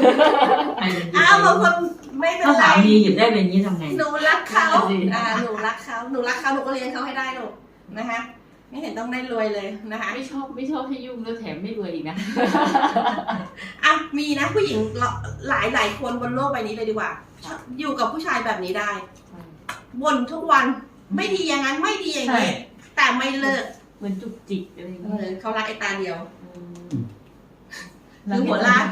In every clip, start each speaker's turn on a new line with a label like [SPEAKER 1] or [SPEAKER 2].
[SPEAKER 1] บางคนไม่เป็นไร
[SPEAKER 2] ถ้าสามีหยิบได้เป็นนี้ทำไง
[SPEAKER 1] หนูรักเขาหนูรักเขาหนูก็เลี้ยงเขาให้ได้ลูกนะคะไม่เห็นต้องได้รวยเลยนะคะ
[SPEAKER 3] ไม่ชอบให้ยุ่งแล้วแถมไม่รวยอีกนะ
[SPEAKER 1] มีนะผู้หญิงหลายคนบนโลกใบนี้เลยดีกว่าอยู่กับผู้ชายแบบนี้ได้บ่นทุกวันไม่ดีอย่างนั้นไม่ดีอย่างนี้แต่ไม่เลิก
[SPEAKER 3] เหมือนจุกจิกอะไรอย่างเงี้ย
[SPEAKER 1] เขารักไอ้ตาเดียวคือหัวล้าน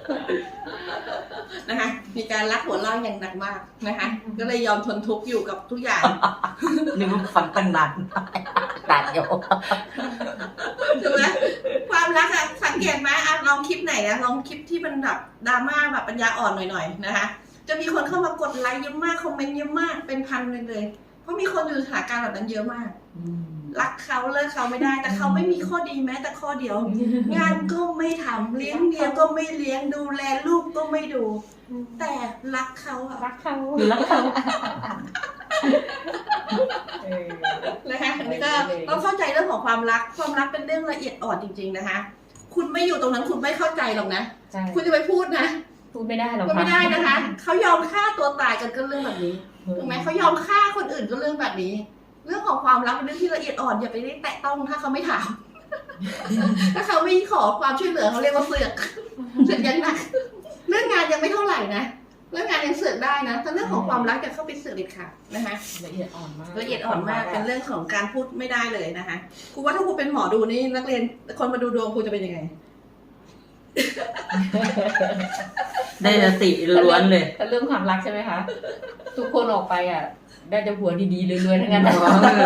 [SPEAKER 1] นะคะมีการรักหัวล้านอย่างหนักมากนะคะก็เลยยอมทนทุกข์อยู่กับทุกอย่าง
[SPEAKER 2] นึกว่าฟังตั้งนานตัดอยู่
[SPEAKER 1] ถูกไหมความรักอะสังเกตไหมลองคลิปไหนนะลองคลิปที่มันแบบดราม่าแบบปัญญาอ่อนหน่อยๆนะคะจะมีคนเข้ามากดไลค์เยอะมากคอมเมนต์เยอะมากเป็นพันเลยเพราะมีคนอยู่สถานการณ์แบบนั้นเยอะมากรักเขาเลิกเขาไม่ได้แต่เขาไม่มีข้อดีแม้แต่ข้อเดียวงานก็ไม่ทำเลี้ยงเมียก็ไม่เลี้ยงดูแลลูกก็ไม่ดูแต่รักเขาอะ
[SPEAKER 3] รักเขา
[SPEAKER 1] นะคะอันนี้ก็ต้องเข้าใจเรื่องของความรักเป็นเรื่องละเอียดอ่อนจริงๆนะคะคุณไม่อยู่ตรงนั้นคุณไม่เข้าใจหรอกนะคุณจะไปพูดนะ
[SPEAKER 3] พูดไม่ได้หรอก
[SPEAKER 1] ไม่ได้นะคะเขายอมฆ่าตัวตายกันก็เรื่องแบบนี้ถูกไหมเขายอมฆ่าคนอื่นก็เรื่องแบบนี้เรื่องของความรักเป็นเรื่องที่ละเอียดอ่อนอย่าไปแตะต้องถ้าเขาไม่ถามถ้าเขาไม่ขอความช่วยเหลือเขาเรียกว่าเสือกยังหนักเรื่องงานยังไม่เท่าไหร่นะเรื่องงานยังเสือกได้นะแต่เรื่องของความรักจะเข้าไปเสือกเด็ดขาดนะคะ
[SPEAKER 3] ละเอียดอ่อนมาก
[SPEAKER 1] เป็นเรื่องของการพูดไม่ได้เลยนะคะครูว่าถ้าครูเป็นหมอดูนี่นักเรียนคนมาดูดวงครูจะเป็นยังไง
[SPEAKER 2] ได้สติล้วนเลย
[SPEAKER 3] แต่เรื่องความรักใช่ไหมคะทุกคนออกไปอ่ะได้แต่หัวดีๆรวยๆทั้งนั้น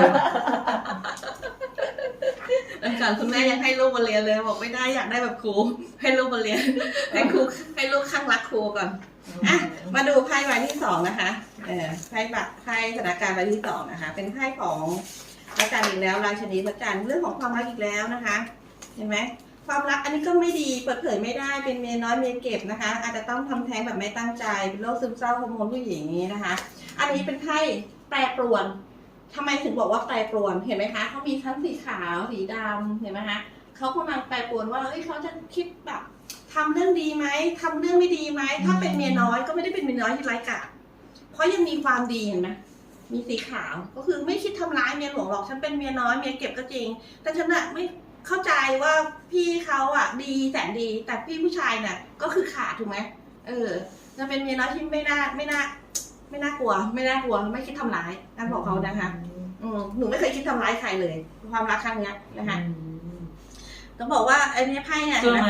[SPEAKER 1] อาจารย์คุณแม่ยังให้ลูกมาเรียนเลยบอกไม่ได้อยากได้แบบครูให้ลูกมาเรียนให้ลูกข้างรักครูก่อนมาดูไพ่ใบที่2นะคะไพ่สถานการณ์ใบที่2นะคะเป็นไพ่ของพระจันทร์อีกแล้วราชินีพระจันทร์เรื่องของความรักอีกแล้วนะคะเห็นไหมความรักอันนี้ก็ไม่ดีเปิดเผยไม่ได้เป็นเมียน้อยเมียเก็บนะคะอาจจะต้องทำแท้งแบบไม่ตั้งใจเป็นโรคซึมเศร้าฮอร์โมนผู้หญิงนี้นะคะอันนี้เป็นไพ่แปรปรวนทำไมถึงบอกว่าแปรปรวนเห็นไหมคะเขามีทั้งสีขาวสีดำเห็นไหมคะเขากำลังแปรปรวนว่าเขาจะคิดแบบทำเรื่องดีไหมทำเรื่องไม่ดีไหมถ้าเป็นเมียน้อยก็ไม่ได้เป็นเมียน้อยที่ไร้กาจเพราะยังมีความดีเห็นไหมมีสีขาวก็คือไม่คิดทำร้ายเมียหลวงหรอกฉันเป็นเมียน้อยเมียเก็บก็จริงแต่ฉันน่ะไม่เข้าใจว่าพี่เขาอ่ะดีแสนดีแต่พี่ผู้ชายน่ะก็คือขาดถูกไหมจะเป็นเมียน้อยที่ไม่น่ากลัวไม่คิดทำร้ายนั่นบอกเขานะคะหนูไม่เคยคิดทำร้ายใครเลยความรักครั้งนี้นะคะต้องบอกว่าไอ้นี่ไพ่เนี่ยนะ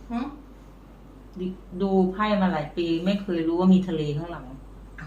[SPEAKER 2] ดูไพ่มาหลายปีไม่เคยรู้ว่ามีทะเลข้างหลัง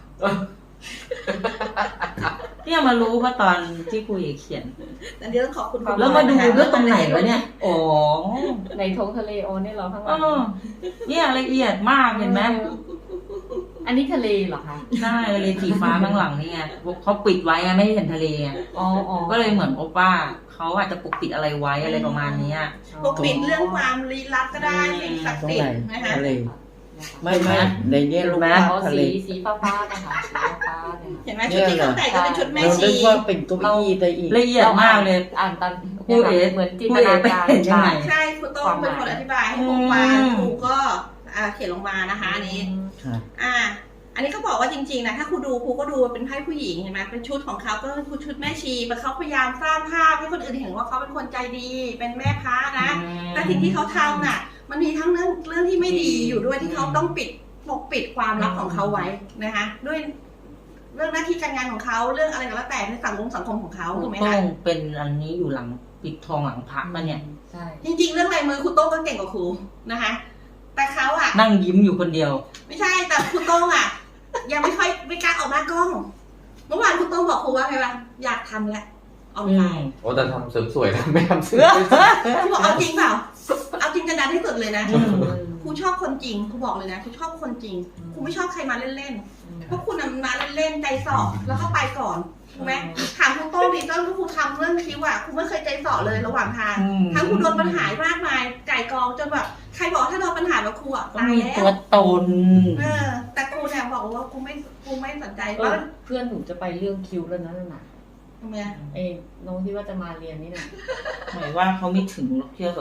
[SPEAKER 2] เนี่ยมารู้ว่าตอนที่ครูเอกเขียน
[SPEAKER 1] เดี๋ยวต้องขอบคุณ
[SPEAKER 2] แล้วมาดูด้วยตรงไหนวะเนี่ยอ๋อ
[SPEAKER 3] ในท้องทะเลเนี่ยเราข้างหลัง
[SPEAKER 2] เนี่ยละเอียดมากเห็นไหม
[SPEAKER 3] อันนี้ทะเลเหรอคะ
[SPEAKER 2] ใช่ทะเลสีฟ้าข้างหลังนี่ไงเขาปิดไว้ไม่เห็นทะเลก็เลยเหมือนว่าเขาอาจจะปกปิดอะไรไว้อะไรประมาณนี้
[SPEAKER 1] ปกปิดเรื่องความลี้ลับก็ได้สิ่งศักดิ์สิทธิ์นะคะ
[SPEAKER 4] ไม่ในเนี้ยลูก
[SPEAKER 3] ทะเลสีฟ้านะคะสีฟ้า
[SPEAKER 1] เห็นไหมชุดที่เขาแต่งก็เป็นชุดแม่ชี
[SPEAKER 4] เราคิดว่าเป็นเก้าอี้แต่อีก
[SPEAKER 2] ละเอียดมากเลย
[SPEAKER 3] อ่านตอนครูเอ๋เหมือนจินตนาการ
[SPEAKER 1] ใช่ครูต้องเป็นคนอธิบายให้ครูฟังครูก็เขียนลงมานะคะอันนี้อันนี้ก็บอกว่าจริงๆนะถ้าครูดูครูก็ดูเป็นไพ่ผู้หญิงเห็นไหมเป็นชุดของเขาก็คือชุดแม่ชีแต่เขาพยายามสร้างภาพให้คนอื่นเห็นว่าเขาเป็นคนใจดีเป็นแม่พระนะแต่สิ่งที่เขาทำน่ะมันมีทั้งเรื่องที่ไม่ดีอยู่ด้วยที่เขาต้องปกปิดความลับของเขาไว้นะคะด้วยเรื่องหน้าที่การงานของเขาเรื่องอะไรก็แล้วแต่ในสังคมของเขาถูกไหมคะ
[SPEAKER 2] ต้องเป็นอันนี้อยู่หลังปิดทองหลังพระมาเนี่ย
[SPEAKER 1] ใช่จริงๆเรื่องลายมือครูโต้งก็เก่งกว่าครูนะคะแต่เขาอะ
[SPEAKER 2] นั่งยิ้มอยู่คนเดียว
[SPEAKER 1] ไม่ใช่แต่ครูโต้งอะยังไม่กล้าออกหน้ากล้องเมื่อวานครูโต้งบอกครูว่าไงวะอยากทำแล้วเอาไป
[SPEAKER 4] โอ้แต่ทำเสริมสวยนะไม่ทำเสริม
[SPEAKER 1] ครูบอกเอาจริงเปล่าเอาจริงกันดันให้สุดเลยนะครูชอบคนจริงครูบอกเลยนะครูชอบคนจริงครูไม่ชอบใครมาเล่นๆเพราะคุณมาเล่นๆใจสอบแล้วก็ไปก่อนถูกไหมถามครูโต้งดิตอนที่ครูทำเรื่องคิวอะครูไม่เคยใจสอบเลยระหว่างทางทั้งครูโดนปัญหามากมายไก่กองจนแบบใครบอกถ้าโดนปัญหาแบบครูอะตายแล้ว
[SPEAKER 2] ตัวตน
[SPEAKER 1] แต่ครูเนี่ยบอกว่าครูไม่สนใจ
[SPEAKER 3] ว่าเพื่อนหนูจะไปเรื่องคิวแล้วนะน่ะ
[SPEAKER 1] ทำไม
[SPEAKER 3] น้องที่ว่าจะมาเรียนนี่นะ
[SPEAKER 2] หมายว่าเขาไม่ถึงหรอกเชื่อแบบ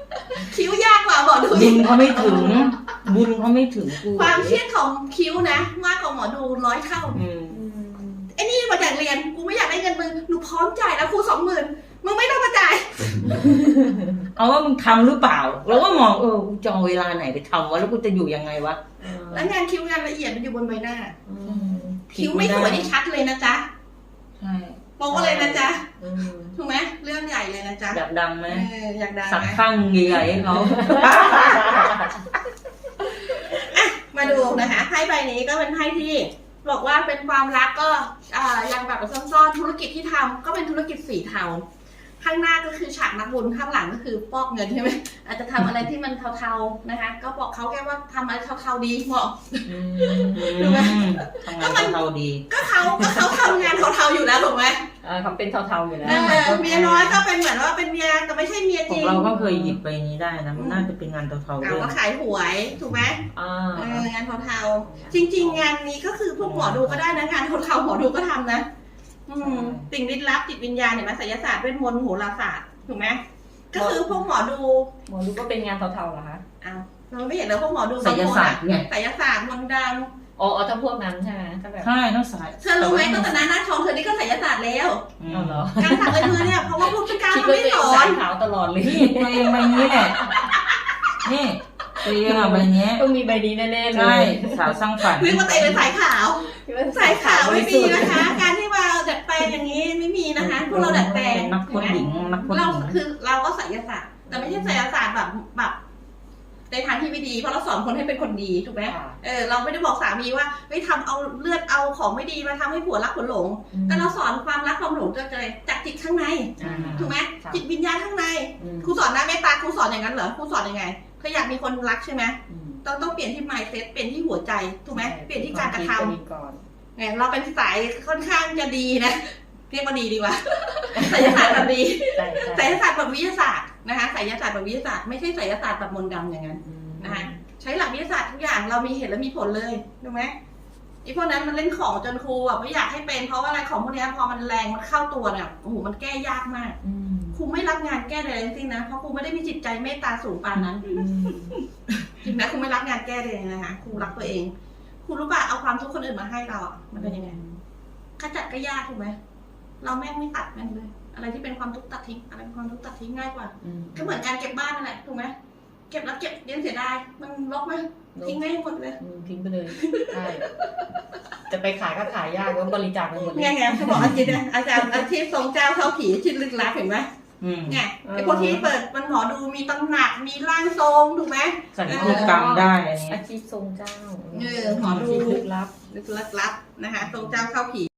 [SPEAKER 1] คิ้วยากกว่าหมอดู
[SPEAKER 2] บุญเขาไม่ถึง บุญเขาไม่ถึงกู
[SPEAKER 1] ความเครียดของคิ้วนะมากกว่าหมอดู100 เท่า
[SPEAKER 2] อืม
[SPEAKER 1] ไอ้นี่มาจากเรียนกูไม่อยากได้เงินมึงหนูพร้อมจ่ายแล้วครู20,000มึงไม่ต้องมาจ่าย
[SPEAKER 2] เอาว่ามึงทำหรือเปล่า แล้วก็มองกูจะเอาเวลาไหนไปทำวะแล้วกูจะอยู่ยังไงวะ
[SPEAKER 1] แล้วงานคิ้วงานละเอียดมันอยู่บนใบหน้า คิ้วไม่สวยนี่ชัดเลยนะจ๊ะ
[SPEAKER 2] ใช่
[SPEAKER 1] โป๊ะเลยนะจ๊ะถูกไหมเรื่องใหญ่เลยนะจ๊ะ
[SPEAKER 2] อยากดังไหม
[SPEAKER 1] อยากดัง
[SPEAKER 2] สัก
[SPEAKER 1] ไหม
[SPEAKER 2] ข้างใหญ่ๆให้เขา
[SPEAKER 1] มาดูนะคะไพ่ใบนี้ก็เป็นไพ่ที่บอกว่าเป็นความรักก็ยังแบบซ่อนๆธุรกิจที่ทำก็เป็นธุรกิจสีเทาข้างหน้าก็คือฉากนักบุญข้างหลังก็คือปอกเงินใช่ไหมอาจจะทำอะไรที่มันเทาๆนะคะก็บอกเขาแค่ว่าทำอะไรเทาๆดีเหมาะ ถูกไหม
[SPEAKER 2] ทำงานเขาดี
[SPEAKER 1] ก็เขาทำงานเทาๆอยู่แล้วถูกไหม
[SPEAKER 3] เขาเป็นเทาๆอยู่แล้ว
[SPEAKER 1] เมียน้อยก็เป็นเหมือนว่าเป็นเมียแต่ไม่ใช่เมีย
[SPEAKER 2] ข
[SPEAKER 1] จ
[SPEAKER 2] อง
[SPEAKER 1] ริง
[SPEAKER 2] เราก็เคยหยิบไปนี้ได้นะมันน่าจะเป็นงานเทาๆด้
[SPEAKER 1] เรา
[SPEAKER 2] วย
[SPEAKER 1] ก็ขายหวยถูกไหม งานเทาๆจริง ๆ งานนี้ก็คือพวกหมอดูก็ได้นะงานเทาๆหมอดูก็ทำนะสิ่งลี้ลับจิตวิญญาณเห็นไหมไสยศาสตร์เวทมนต์โหราศาสตร์ถูกไหมก็คือพวกหมอดู
[SPEAKER 3] หมอดูก็เป็นงานเทาๆเหรอคะ
[SPEAKER 1] อ้าวเราไม่เห็นแล้วพวกหมอดู
[SPEAKER 2] ไสยศาสตร์ไง
[SPEAKER 1] ไสยศาสตร์มนต์ด
[SPEAKER 3] อ๋อถ้าพวกนั้นใช่ไหมถ้าแบบ
[SPEAKER 2] ใช่ต้องสาย
[SPEAKER 1] ำเธอรู้ไหมตั้งแต่หน้าทองเธอนี่ก็ไสยศาสตร์แล้ว
[SPEAKER 3] เอาเหรอ
[SPEAKER 1] การสักลายมือเนี่ยเพราะว่าพวกพิการ
[SPEAKER 3] คิด
[SPEAKER 1] เขา
[SPEAKER 3] ว่า
[SPEAKER 1] ไม่
[SPEAKER 3] ตัวเอง
[SPEAKER 1] สอ
[SPEAKER 3] สาน ยขาวตลอดเลย
[SPEAKER 2] นี่ตัวเองใบนี้แหละนี่ตัวเองอะใบนี้
[SPEAKER 3] ต้องมีใบนี้แน่ๆเล
[SPEAKER 2] ใช่
[SPEAKER 3] ย
[SPEAKER 2] สาวสร้างฝัน
[SPEAKER 1] นึกว่าตัวเองเป็นสายขาว
[SPEAKER 3] คิดว่า
[SPEAKER 1] สายขาวไม่มีนะคะ การที่มาดัดแปลงอย่างนี้ไม่มีนะคะพวกเราดัดแปลง
[SPEAKER 2] นักพจน์หญิงนักพจน์ห
[SPEAKER 1] เรา
[SPEAKER 2] ญิง
[SPEAKER 1] คือเราก็ไสยศาสตร์แต่ไม่ใช่ไสยศาสตร์แบบในทางที่ไม่ดีเพราะเราสอนคนให้เป็นคนดีถูกไหมเราไม่ได้บอกสามีว่าเฮ้ยทำเอาเลือดเอาของไม่ดีมาทำให้ผัวรักผัวหลง แต่เราสอนความรักความหลงจะเกิดจากจิตข้างในถูกไหมจิตวิญญาณข้างในครูสอนหน้าเมตตาครูสอนอย่างนั้นเหรอครูสอนยังไงเธออยากมีคนรักใช่ไหมต้องเปลี่ยนที่ mindset เปลี่ยนที่หัวใจถูกไหมเปลี่ยนที่การกระทำเนี่ยเราเป็นสายค่อนข้างจะดีนะเรียกว่าดีดีกว่าไสยศาสตร์แบบดีไสยศาสตร์แบบวิทยาศาสตร์นะคะไสยศาสตร์แบบวิทยาศาสตร์ไม่ใช่ไสยศาสตร์แบบมนต์ดำอย่างนั้นนะคะใช้หลักวิทยาศาสตร์ทุกอย่างเรามีเหตุและมีผลเลยถูกไหมไอ้พวกนั้นมันเล่นของจนครูแบบไม่อยากให้เป็นเพราะว่าอะไรของพวกนี้พอมันแรงมันเข้าตัวเนี่ยโอ้โหมันแก้ยากมากครูไม่รับงานแก้ใดทั้งสิ้นนะเพราะครูไม่ได้มีจิตใจเมตตาสูงปานนั้นจริงนะครูไม่รับงานแก้เลยนะคะครูรักตัวเองครูรู้ป่ะเอาความทุกข์คนอื่นมาให้เราอ่ะมันเป็นยังไงขจัดก็ยากถูกไหมเราแม่งไม่ตัดแม่งเลยอะไรที่เป็นความทุกข์ตัดทิ้งอะไรเป็นความทุกข์ตัดทิ้งง่ายกว่าก็เหมือนการเก็บบ้านนั่นแหละถูกไหมเก็บแล้วเก็บเลี้ยงเสียดายมันรกไหมทิ้งไม่ให้หมดเลย
[SPEAKER 3] ทิ้งไปเลยใช่จะไปขายก็ขายยากแล้วบริจาคไปหมดเลย
[SPEAKER 1] ไงเขาบอกอาจารย์อาชีพทรงเจ้าเข้าผีที่ลึกลับเห็นไหมไงไอ้พวกที่เปิดมันหมอดูมีตำหนักมีร่างทรงถูกไหม
[SPEAKER 2] สัญญกรรมได้อันนี้
[SPEAKER 3] อาชีพทรงเจ้า
[SPEAKER 1] หมอดู
[SPEAKER 3] ลึกลับ
[SPEAKER 1] ลึกลับนะคะทรงเจ้าเข้าผี